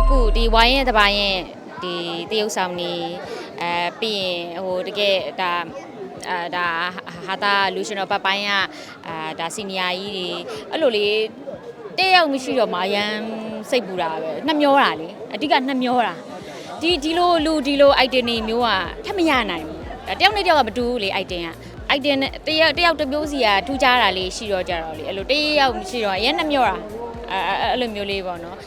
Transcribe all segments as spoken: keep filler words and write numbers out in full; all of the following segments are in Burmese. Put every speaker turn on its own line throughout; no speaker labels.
အခုဒီဝိုင်းရဲ့တပိုင်းရဲ့ဒီတရုတ်ဆောင်နေအဲပြီးရင်ဟိုတကယ်ဒါအာဒါဟာတာလူရှင်တော်ဘက်ပိုင်းကအာဒါစီနီယာကြီးတွေအဲ့လိုလေးတယောက်မရှိတော့မရန်စိတ်ပူတာပဲနှမျောတာလေအဓိကနှမျောတာဒီဒီလိုလူဒီလို item တွေမျိုးကထပ်မရနိုင်ဘူးတယောက်နဲ့တယောက်ကမတူဘူးလေ item က item တယောက်တယောက်တစ်မျိုးစီကထူးခြားတာလေးရှိတော့ကြတော့လေအဲ့လိုတယောက်မရှိတော့အရင်နှမျောတာအဲအဲ့လိုမျိုးလေးပေါ့နော်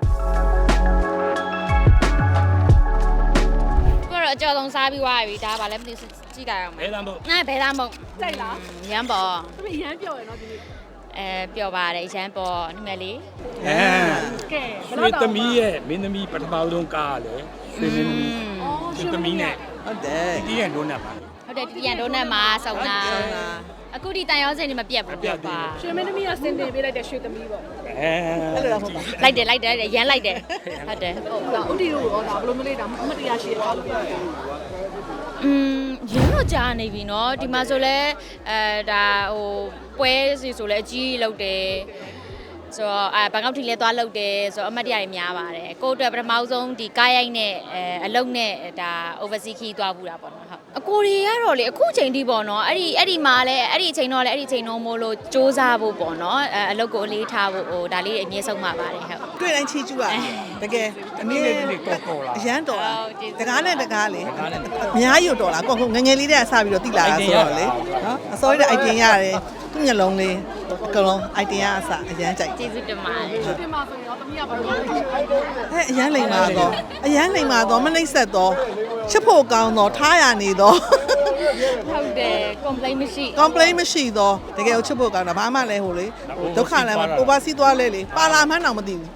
အကြောဆုံးစားပြီးွားပြီဒါပါလည်းမသိကြည့်တာအောင်မယ်ဘယ်သားမုံအဲဘယ်သားမုံကြိုက်လားရမ်းပေါ်သူရမ်းပြော်ရယ်နော်ဒီနေ့အဲပြော်ပါတယ်ရမ်းပေါ်ဒီမဲ့လေး
အဲကဲရွှေသမီးရဲ့မင်းသမီးပထမဆုံးကားလေရွှေမင်းသမီးရွှေသမီးနဲ့ဟုတ်တယ်ဒီရန်ဒိုနတ်ပါ
ဟုတ်တယ်ဒီရန်ဒိုနတ်မှာစုံတာအခုဒီတန်ရောစင်နေမပြတ်ဘူးပေါ့ပါ
ရွှေမင်းသမီးကစင်တင်ပေးလိုက်တဲ့ရွှေသမီးပေါ့
အဲအဲ့လိုဟုတ်ပါ
လိုက်တယ်လိုက်တယ်ရမ်းလိုက်တယ်ဟုတ်တယ်
ဟုတ်ဒါဥတီတို့ရောဒါဘယ်လိုမျိုးလေးဒါအမတရားရှိရအောင်ပြောပြ
อืมရင်းတော့ကြာနေပြီเนาะဒီမှာဆိုလဲအဲဒါဟိုပွဲစီဆိုလဲအကြီးလောက်တယ်ဆိုတော့အဲဘန်ကောက်ထီလဲသွားလောက်တယ်ဆိုတော့အမတ်တရားတွေများပါတယ်ကိုယ့်အတွက်ပထမဆုံးဒီကားရိုက်နဲ့အဲအလုံနဲ့ဒါ overseas key သွားဘူးတာပေါ့နော်ဟုတ်အကိုတွေကတော့လေအခုချိန်ထိပေါ့နော်အဲ့ဒီအဲ့ဒီမှာလဲအဲ့ဒီအချိန်တော့လဲအဲ့ဒီအချိန်တော့မို့လို့စူးစမ်းဖို့ပေါ့နော်အဲအလုပ်ကိုအလေးထားဖို့ဟိုဒါလေးအမြဲဆုံးမှာပါတယ်ဟုတ်
တွေ့တိုင်းချီကျူอ่ะတကယ်
အနည်းလေးလေးတော်တော်လား
အရန်တော်လားတကားနဲ့တကားလေအများကြီးတော်လားကိုငငယ်လေးတည်းကစပြီးတော့တိလာတာဆိုတော့လေနော်အစိုးရတဲ့ item ရတယ်သူ့မျက်လုံးလေးကလုံး item ရအစအရန်ကြိုက်
ကျေးဇူးတင်ပါတယ်
ကျေးဇူးတင်ပါဆိုရင်တော့တမီးကဘာလို့လဲ
အဲအရန်လိမ်ပါတော့အရန်လိမ်ပါတော့မနှိမ့်ဆက်တော့ချစ်ဖို့ကောင်းတော့ထားရနေတော့
ဟုတ်တယ် complaint မရှိ
complaint မရှိတော့တကယ်ချစ်ဖို့ကောင်းတာဘာမှလည်းဟိုလေဒုက္ခလည်းမ oversee သွားလဲလေပါလာမှန်းတော့မသိဘူး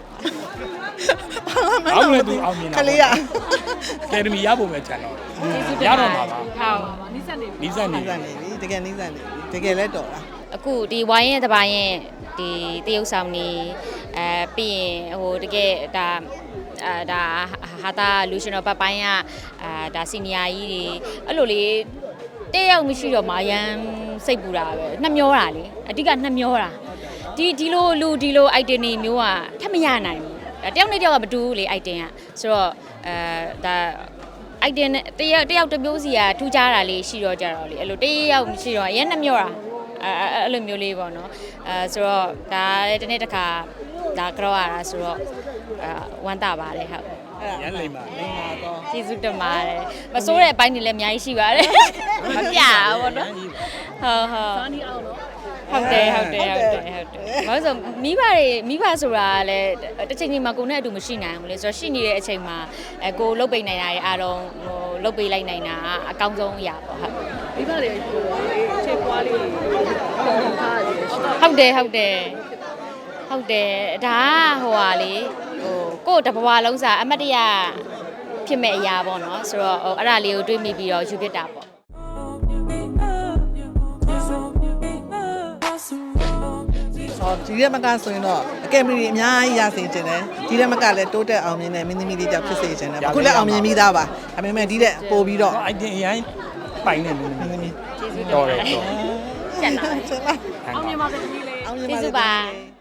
အောင်လည်းသူအောင်မြင်တာ
ခလေးရ
ကယ်ဒမီရဖို့ပဲချန်တော့ရတော့မှာပါ
ဟုတ်
နီးစက်နေ
နီးစက်နေ
နီးစက်နေပြီတကယ်နီးစက်နေပြီတကယ်လဲတော်တာ
အခုဒီဝိုင်းရဲ့တပိုင်းရဲ့ဒီတရုတ်ဆောင်နေအဲပြီးရင်ဟိုတကယ်ဒါအာဒါဟာတာလူရှင်တော်ဘက်ပိုင်းကအာဒါစီနီယာကြီးတွေအဲ့လိုလေးတယောက်မရှိတော့မရန်စိတ်ပူတာပဲနှမျောတာလေအဓိကနှမျောတာဒီဒီလိုလူဒီလို item တွေမျိုးကထပ်မရနိုင်ဘူးတယောက်နဲ့တယောက်ကမတူဘူးလေ item ကဆိုတော့အဲဒါ item တယောက်တယောက်တစ်မျိုးစီကထူးခြားတာလေးရှိတော့ကြတော့လေအဲ့လိုတယောက်မရှိတော့အရင်နှမျောတာအဲအဲ့လိုမျိုးလေးပေါ့နော်အဲဆိုတော့ဒါလည်းတစ်နေ့တစ်ခါဒါကြောက်ရတာဆိုတော့အဲဝမ်းသာပါတယ်ဟုတ်
ရန်လိမ့်ပါလိမ့်ပါတော့
ကျေးဇူးတင်ပါတယ်မစိုးတဲ့အပိုင်းတွေလည်းအများကြီးရှိပါတယ်မပြဘူးပေါ့နော်ဟုတ်ဟုတ်
စာနီအောင်တော့
ဟုတ်တယ်ဟုတ်တယ်ဟုတ်တယ်ဟုတ်တယ်ဘာလို့ဆိုမိဘတွေမိဘဆိုတာလည်းတစ်ချိန်ချိန်မှာကိုယ်နဲ့အတူမရှိနိုင်ဘူးလေဆိုတော့ရှိနေတဲ့အချိန်မှာအဲကိုလှုပ်ပိတ်နိုင်တာတွေအားလုံးဟိုလှုပ်ပိတ်လိုက်နိုင်တာအကောင်းဆုံးအရာပေါ့ဟုတ်
မိဘတွေဟိုချေပွားလေးထားရတယ်
ဟုတ်တယ်ဟုတ်တယ်ဟုတ်တယ်ဒါဟိုဟာလေဟိုကို့တဘွားလုံးစာအမတ်တရဖြစ်မဲ့အရာပေါ့နော်ဆိုတော့ဟိုအဲ့ဒါလေးကိုတွေးမိပြီးတော့ယူပြတာပေါ့
ဒီရက်မကဆိုရင်တော့အကယ်ဒမီအများကြီးရစေချင်တယ်ဒီရက်မကလည်းတိုးတက်အောင်မြင်တဲ့မင်းသမီးလေးကြောင့်ဖြစ်စေချင်တယ်အခုလည်းအောင်မြင်ပြီးသားပါဒါပေမဲ့ဒီရက်ပို့ပြီးတော့
item အရင်ပိုင်နေမင်းသမီး
ကျေးဇူး
တော်တယ်တော်
ချက်လာ
အောင်မြင်ပါစေတမီးလေး
အောင်မြင်ပါစေ
ကျေးဇူးပါ